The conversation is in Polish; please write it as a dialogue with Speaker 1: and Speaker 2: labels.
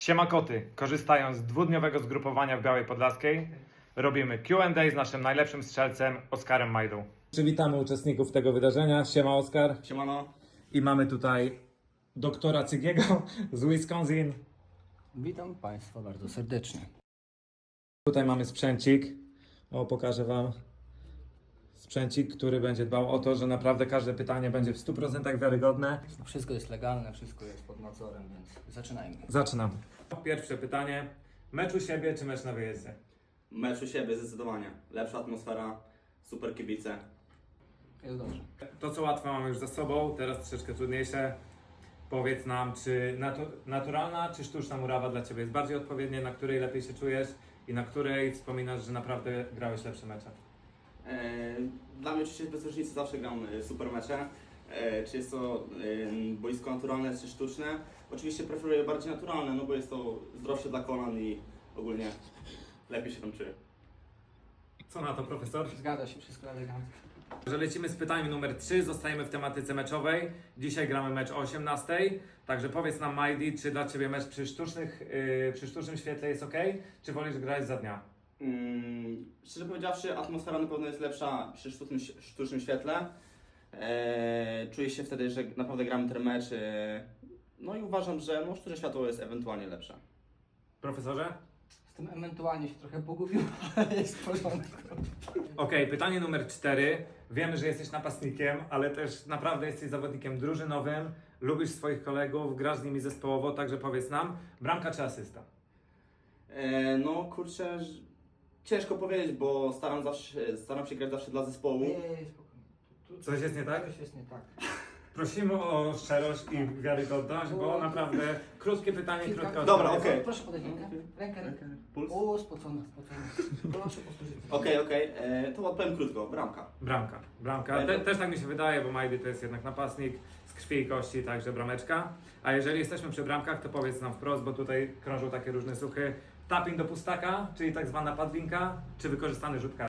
Speaker 1: Siema koty, korzystając z dwudniowego zgrupowania w Białej Podlaskiej, robimy Q&A z naszym najlepszym strzelcem Oskarem Majdą. Przywitamy uczestników tego wydarzenia. Siema Oskar.
Speaker 2: Siemano.
Speaker 1: I mamy tutaj doktora Cygiego z Wisconsin.
Speaker 2: Witam Państwa bardzo serdecznie.
Speaker 1: Tutaj mamy sprzęcik. O, pokażę Wam. Sprzęcik, który będzie dbał o to, że naprawdę każde pytanie będzie w 100% wiarygodne.
Speaker 2: Wszystko jest legalne, wszystko jest pod nadzorem, więc zaczynajmy.
Speaker 1: Zaczynam. Pierwsze pytanie. Mecz u siebie czy mecz na wyjeździe?
Speaker 3: Mecz u siebie zdecydowanie. Lepsza atmosfera, super kibice.
Speaker 2: Jest dobrze.
Speaker 1: To co łatwe mamy już za sobą, teraz troszeczkę trudniejsze. Powiedz nam, czy naturalna czy sztuczna murawa dla Ciebie jest bardziej odpowiednia, na której lepiej się czujesz i na której wspominasz, że naprawdę grałeś lepsze mecze?
Speaker 3: Dla mnie oczywiście bez różnicy zawsze gram super mecze. Czy jest to boisko naturalne czy sztuczne? Oczywiście preferuję bardziej naturalne, no bo jest to zdrowsze dla kolan i ogólnie lepiej się tam czuję.
Speaker 1: Co na to, profesor?
Speaker 2: Zgadza się, wszystko elegancko.
Speaker 1: Że lecimy z pytaniem numer 3, zostajemy w tematyce meczowej. Dzisiaj gramy mecz o 18:00, także powiedz nam Majdi, czy dla Ciebie mecz przy sztucznym świetle jest ok, czy wolisz grać za dnia?
Speaker 3: Szczerze powiedziawszy, atmosfera na pewno jest lepsza przy sztucznym świetle. Czuję się wtedy, że naprawdę gramy ten mecz. No i uważam, że sztuczne światło jest ewentualnie lepsze.
Speaker 1: Profesorze?
Speaker 2: Z tym ewentualnie się trochę pogubił, ale jest w porządku.
Speaker 1: Okej, pytanie numer 4. Wiemy, że jesteś napastnikiem, ale też naprawdę jesteś zawodnikiem drużynowym, lubisz swoich kolegów, grasz z nimi zespołowo, także powiedz nam, bramka czy asysta?
Speaker 3: No kurczę, ciężko powiedzieć, bo staram się grać zawsze dla zespołu.
Speaker 2: Nie, spokojnie.
Speaker 1: Coś jest nie tak?
Speaker 2: Coś jest nie tak.
Speaker 1: Prosimy o szczerość i wiarygodność, bo naprawdę krótkie pytanie, krótka odpowiedź.
Speaker 3: Dobra, okej.
Speaker 2: Proszę podać rękę.
Speaker 3: Puls?
Speaker 2: O, spocona. Proszę powtórzyć.
Speaker 3: Okej. To odpowiem krótko. Bramka.
Speaker 1: Bramka. Też tak mi się wydaje, bo Majdy to jest jednak napastnik z krwi i kości, także brameczka. A jeżeli jesteśmy przy bramkach, to powiedz nam wprost, bo tutaj krążą takie różne słuchy. Tapping do pustaka, czyli tak zwana padlinka, czy wykorzystany rzut karny?